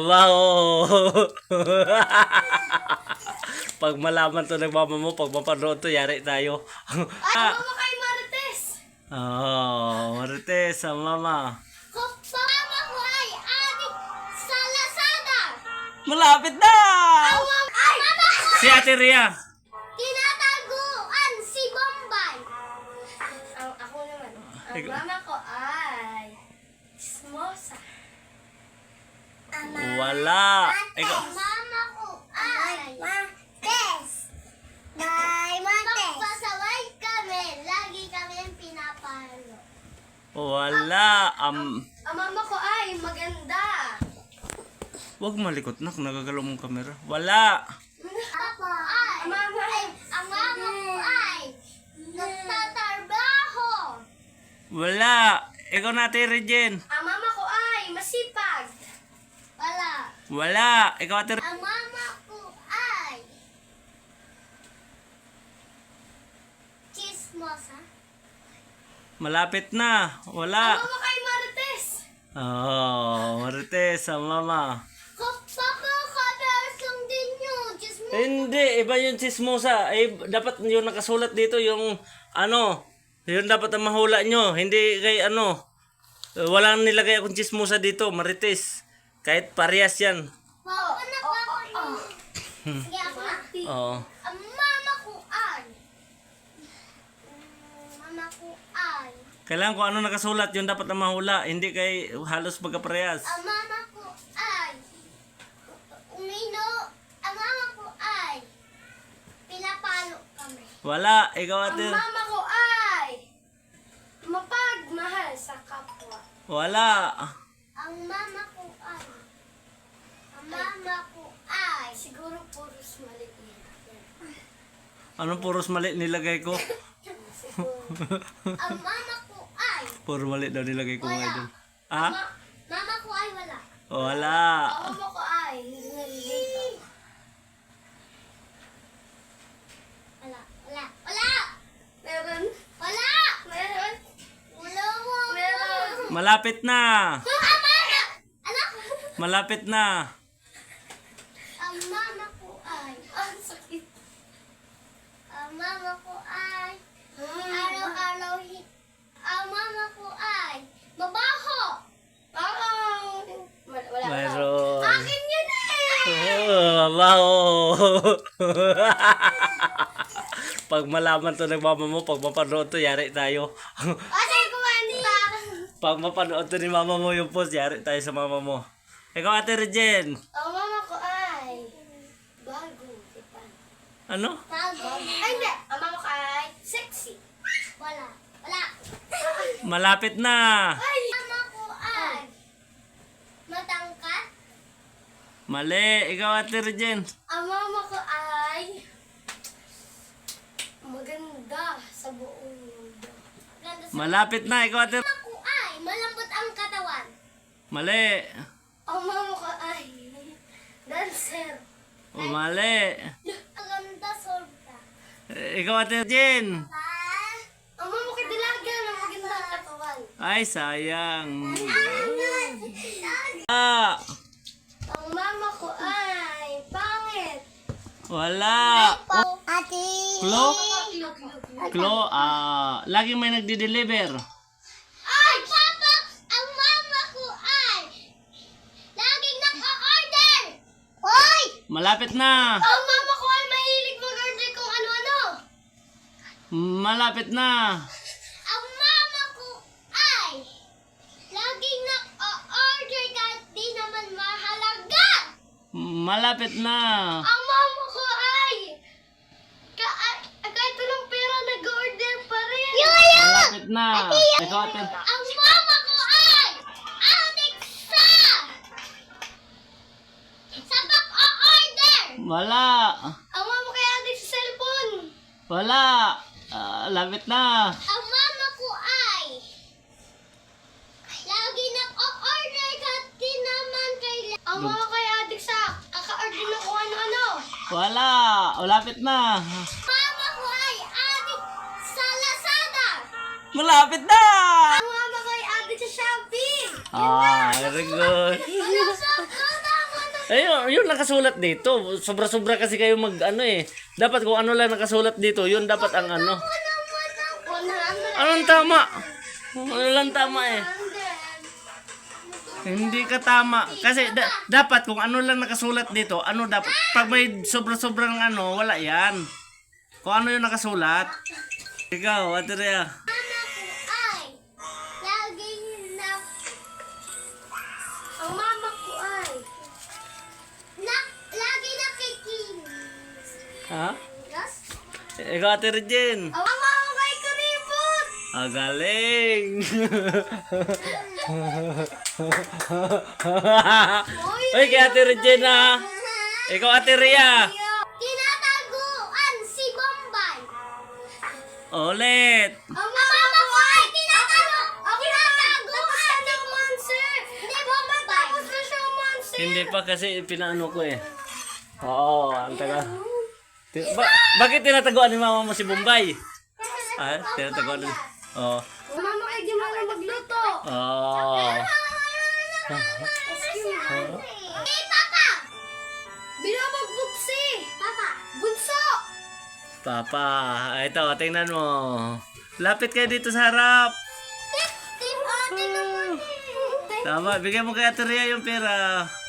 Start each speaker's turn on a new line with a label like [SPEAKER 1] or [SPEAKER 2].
[SPEAKER 1] Wow! Pag malaman to ng mama mo, pag mapanood to, yari tayo.
[SPEAKER 2] Ay, mama kay Marites.
[SPEAKER 1] Marites, ang mama.
[SPEAKER 2] Mama ko ay adik sa Lazada.
[SPEAKER 1] Malapit na!
[SPEAKER 2] Ang mama ko
[SPEAKER 1] Si Ate Ria.
[SPEAKER 2] tinataguan si Bombay. Ako naman. Ang
[SPEAKER 1] Ikaw.
[SPEAKER 2] mama ko ay Smosa.
[SPEAKER 1] Wala. Ikaw.
[SPEAKER 2] Ang mama ko ay Martes. Bye, Martes. Magpasaway kami. Lagi kami pinapalo.
[SPEAKER 1] Wala.
[SPEAKER 2] Ang mama ko ay maganda.
[SPEAKER 1] Wag malikot nak, nagagalaw mong kamera. Wala.
[SPEAKER 2] Ang mama ko ay nagtatrabaho.
[SPEAKER 1] Wala. Ikaw na, Ate Regine.
[SPEAKER 2] Ang mama ko ay masipag. Wala.
[SPEAKER 1] Wala. Ikaw, Ate
[SPEAKER 2] Ang mama ko ay chismosa.
[SPEAKER 1] Malapit na. Wala.
[SPEAKER 2] Ang mama kay Marites.
[SPEAKER 1] Marites, ang mama.
[SPEAKER 2] Papa, kabersong din yun. Chismosa.
[SPEAKER 1] Hindi, iba yung chismosa. Dapat yung nakasulat dito, yung yun dapat ang mahula nyo. Hindi kay walang nilagay akong chismosa dito, Marites. Kahit parehas yan.
[SPEAKER 2] Wow, anak ako. Sige, ako na.
[SPEAKER 1] Oo.
[SPEAKER 2] Ang mama ko ay
[SPEAKER 1] Kailangan kung ano nakasulat, yun dapat ang mahula. Hindi kay halos magkaparehas.
[SPEAKER 2] ang mama ko ay ang mama ko ay pinapalo kami.
[SPEAKER 1] Wala, ikaw, Ate.
[SPEAKER 2] Ang mama ko ay mapagmahal sa kapwa.
[SPEAKER 1] Wala.
[SPEAKER 2] Ang mama ko ay siguro puros mali yan.
[SPEAKER 1] Anong puros mali nilagay ko?
[SPEAKER 2] Ang mama ko ay
[SPEAKER 1] Puro mali daw nilagay ko ngayon dun.
[SPEAKER 2] mama ko ay wala.
[SPEAKER 1] Wala.
[SPEAKER 2] Ang mama ko ay nalilito. Wala. Meron. Wala. Meron. Meron.
[SPEAKER 1] Malapit na.
[SPEAKER 2] Anak.
[SPEAKER 1] Malapit na.
[SPEAKER 2] Ang mama ko ay ang sakit. Ang mama ko ay araw-araw ang mama ko ay mabaho. Wala.
[SPEAKER 1] Mayroon.
[SPEAKER 2] Akin yun eh.
[SPEAKER 1] Wow. Pag malaman to ng mama mo, pag mapanood to, yari tayo.
[SPEAKER 2] Kasi kumanta.
[SPEAKER 1] Pag mapanood to ni mama mo yung post, yari tayo sa mama mo. Ikaw, Ate Regine.
[SPEAKER 2] Ang mama ko ay bago.
[SPEAKER 1] Ano?
[SPEAKER 2] Tago. Ay, hindi. Ang mama ko ay sexy. Wala.
[SPEAKER 1] Malapit na.
[SPEAKER 2] Ay! Mama ko ay matangkat.
[SPEAKER 1] Mali. Ikaw, Ate Regine.
[SPEAKER 2] Ang mama ko ay maganda sa buong mundo. Maganda sa
[SPEAKER 1] Malapit na. Ikaw, Ate.
[SPEAKER 2] mama ko ay malambot ang katawan.
[SPEAKER 1] Mali.
[SPEAKER 2] Ang mama ko ay dancer.
[SPEAKER 1] Mali.
[SPEAKER 2] Maganda sobra.
[SPEAKER 1] Ikaw, Ate Regine.
[SPEAKER 2] Ang mama ko dilaga na maganda ang katawan.
[SPEAKER 1] Ay, sayang.
[SPEAKER 2] Ang mama ko ay pangit.
[SPEAKER 1] Wala.
[SPEAKER 2] Ate.
[SPEAKER 1] Klo? Klo, laging may nagdi-deliver.
[SPEAKER 2] Ay, Papa! Ang mama ko ay laging naka-order! Hoy!
[SPEAKER 1] Malapit na.
[SPEAKER 2] Ang mama ko ay mahilig mag-order kung ano-ano!
[SPEAKER 1] Malapit na.
[SPEAKER 2] Ang mama ko ay laging naka-order kahit di naman mahalaga!
[SPEAKER 1] Malapit na.
[SPEAKER 2] Ang mama ko ay kahit walang pera nag-order pa rin!
[SPEAKER 1] Malapit na. Ikaw, Ate.
[SPEAKER 2] Ang mama ko ay addict sa pag-order!
[SPEAKER 1] Wala.
[SPEAKER 2] Ang mama ko ay addict sa cellphone!
[SPEAKER 1] Wala. Lapit na.
[SPEAKER 2] Ang mama ko ay lagi nag-order kahit di naman kailangan. Ang mama ko ay addict sa kaka-order ng kung ano-ano.
[SPEAKER 1] Wala. Lapit na.
[SPEAKER 2] Mama ko ay addict sa Lazada.
[SPEAKER 1] Malapit na.
[SPEAKER 2] Ang mama ko ay addict sa Shopee.
[SPEAKER 1] Very good.
[SPEAKER 2] Wala sa mama ko
[SPEAKER 1] Ayun, yun nakasulat dito. Sobra-sobra kasi kayo mag ano eh. Dapat kung ano lang nakasulat dito, yun dapat ang ano.
[SPEAKER 2] 100.
[SPEAKER 1] Anong tama? Ano lang tama eh. Hindi ka tama. Kasi dapat kung ano lang nakasulat dito, ano dapat. Pag may sobra-sobrang ano, wala yan. Kung ano yung nakasulat. Ikaw, Ate Rhea.
[SPEAKER 2] Mama ko ay laging na... Ang mama ko ay lagi nakikinis.
[SPEAKER 1] Ha?
[SPEAKER 2] Yes?
[SPEAKER 1] Ikaw, Ate Regine.
[SPEAKER 2] Ang mama ko kay kuripot.
[SPEAKER 1] Ah, galing. Uy, kay Ate Regina. Ikaw, Ate Rhea.
[SPEAKER 2] Tinataguan si Bombay.
[SPEAKER 1] Ulit.
[SPEAKER 2] Ang mama ko ay tinataguan ng monster. Hindi Bombay. Tapos na siya monster.
[SPEAKER 1] Hindi pa kasi pinaano ko eh. Oo, ang taga. Bakit tinataguan ni mama mo si Bombay? Ah, tinataguan ni... Oo.
[SPEAKER 2] Mama kay di mo na magluto.
[SPEAKER 1] Oo.
[SPEAKER 2] Hey, Papa! Binabagbuksi! Papa! Bunso!
[SPEAKER 1] Papa, ito, tingnan mo. Lapit kayo dito sa harap.
[SPEAKER 2] Tingnan mo.
[SPEAKER 1] Tama, bigyan mo kay Ate Rhea yung pera.